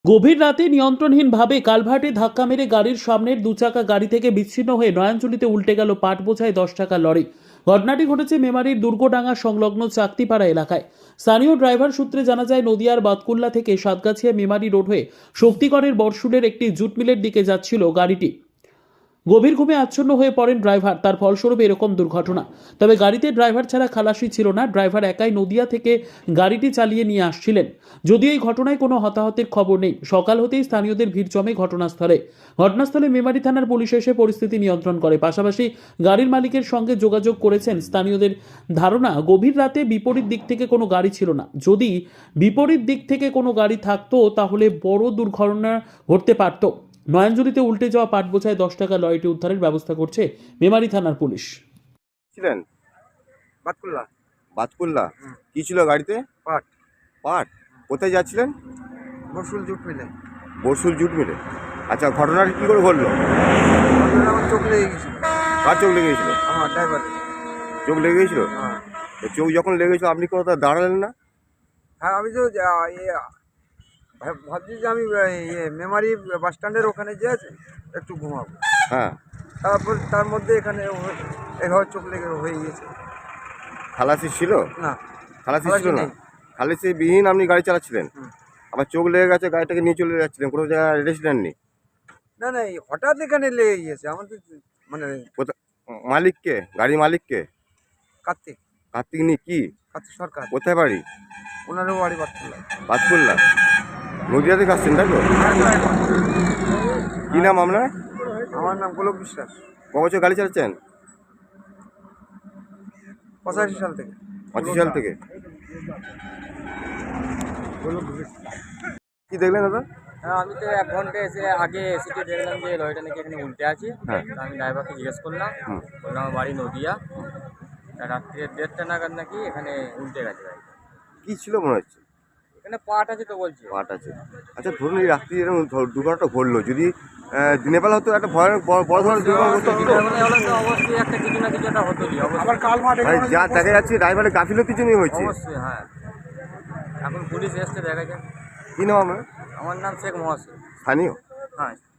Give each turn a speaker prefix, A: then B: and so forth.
A: গভীর রাতে নিয়ন্ত্রণহীনভাবে কালভার্টে ধাক্কা মেরে গাড়ির সামনের দুচাকা গাড়ি থেকে বিচ্ছিন্ন হয়ে নয়াঞ্জলিতে উল্টে গেল পাট বোঝাই 10 টাকা লরি। ঘটনাটি ঘটেছে মেমারির দুর্গডাঙ্গা সংলগ্ন চাকতিপাড়া এলাকায়। স্থানীয় ড্রাইভার সূত্রে জানা যায়, নদিয়ার বাতকুল্লা থেকে সাতগাছিয়া মেমারি রোড হয়ে শক্তিগড়ের বরশুলের একটি জুট মিলের দিকে যাচ্ছিল গাড়িটি। গভীর ঘুমে আচ্ছন্ন হয়ে পড়েন ড্রাইভার, তার ফলস্বরূপ এরকম দুর্ঘটনা। তবে গাড়িতে ড্রাইভার ছাড়া খালাসি ছিল না, ড্রাইভার একাই নদিয়া থেকে গাড়িটি চালিয়ে নিয়ে আসছিলেন। যদিও এই ঘটনায় কোনো হতাহতের খবর নেই। সকাল হতেই স্থানীয়দের ভিড় জমে ঘটনাস্থলে মেমারি থানার পুলিশ এসে পরিস্থিতি নিয়ন্ত্রণ করে। পাশাপাশি গাড়ির মালিকের সঙ্গে যোগাযোগ করেছেন স্থানীয়দের। ধারণা, গভীর রাতে বিপরীত দিক থেকে কোনো গাড়ি ছিল না। যদি বিপরীত দিক থেকে কোনো গাড়ি থাকতো তাহলে বড় দুর্ঘটনা ঘটতে পারত। নয়াঞ্জলিতে উল্টে যাওয়া পাট বোঝায় 10 টাকা লরিটি উদ্ধারের ব্যবস্থা করছে মেমারি থানার পুলিশ।
B: ছিলেন
C: বাতকুল্লা।
B: বাতকুল্লা কি ছিল গাড়িতে?
C: পাট।
B: পাট। কোথায় যাচ্ছিলেন?
C: বরশুল জুট মিলে।
B: বরশুল জুট মিলে। আচ্ছা, ঘটনাটা কি করে ঘটলো?
C: আমার চোখ লেগে গেছিল।
B: কার চোখ লেগে গেছিল?
C: আমার ড্রাইভার।
B: চোখ লেগে গেছিল?
C: হ্যাঁ
B: তো চোখ যখন লেগেছিল আপনি কোথাও দাঁড়ালেন না?
C: হ্যাঁ, আমি তো ভাবছি যে আমি মেমারি বাস স্ট্যান্ডের ওখানে যে আছে একটু ঘুমাবো।
B: হ্যাঁ।
C: তারপর তার মধ্যে এখানে এভাবে চোখ লেগে হয়ে গিয়েছে।
B: খালাসি ছিল?
C: না,
B: খালাসি ছিল না?
C: নেই।
B: খালাসি বিহীন আপনি গাড়ি চালাচ্ছিলেন?
C: হুম।
B: আবার চোখ লেগে গেছে, গাড়িটাকে নিয়ে চলে যাচ্ছিলেন, কোনো জায়গায় রেস্ট নেননি?
C: না না, এই হঠাৎ এখানে লেগে গিয়েছে আমাদের, মানে
B: কোথা মালিককে, গাড়ির মালিককে?
C: কার্তিক
B: কার্তিক নি কি?
C: কার্তিক সরকার।
B: কোথায় বাড়ি?
C: ওনারও বাড়ি বাতকুল্লা।
B: বাতকুল্লা। নদিয়া থেকে আসছেন তাই তো? কি নাম আপনার?
C: আমার নাম গোলক বিশ্বাস।
B: ক বছর গাড়ি চালাচ্ছেন?
C: 85 সাল থেকে।
B: 25 সাল থেকে। কি দেখলেন দাদা?
D: হ্যাঁ, আমি তো 1 ঘন্টা আগে এসে দেখলাম যে লরিটা নাকি এখানে উল্টে আছে।
B: হ্যাঁ।
D: তো আমি ড্রাইভারকে জিজ্ঞেস করলাম, বললাম আমার বাড়ি নদিয়া। তা রাত্রে 1:30টা নাগাদ নাকি এখানে উল্টে গেছে গাড়িটা।
B: কি ছিল মনে হচ্ছে?
D: এখানে পাট আছে তো বলছে।
B: পাট আছে। আচ্ছা, ধরুন এই রাত্রি এরকম দুর্ঘটনা ঘটলো, যদি দিনের বেলা হতো একটা ভয়ানক বড় ধরনের দুর্ঘটনা হতো।
D: দিনের বেলা হলে তো অবশ্যই একটা কিছু না কিছু একটা হতোই, অবশ্যই।
B: মানে যা দেখা যাচ্ছে ড্রাইভারের গাফিলতির জন্যই হয়েছে।
D: অবশ্যই, হ্যাঁ। এখন পুলিশ এসছে, দেখা যাক।
B: কি নাম আপনার?
D: আমার নাম শেখ মহাসিন।
B: স্থানীয়?
D: হ্যাঁ।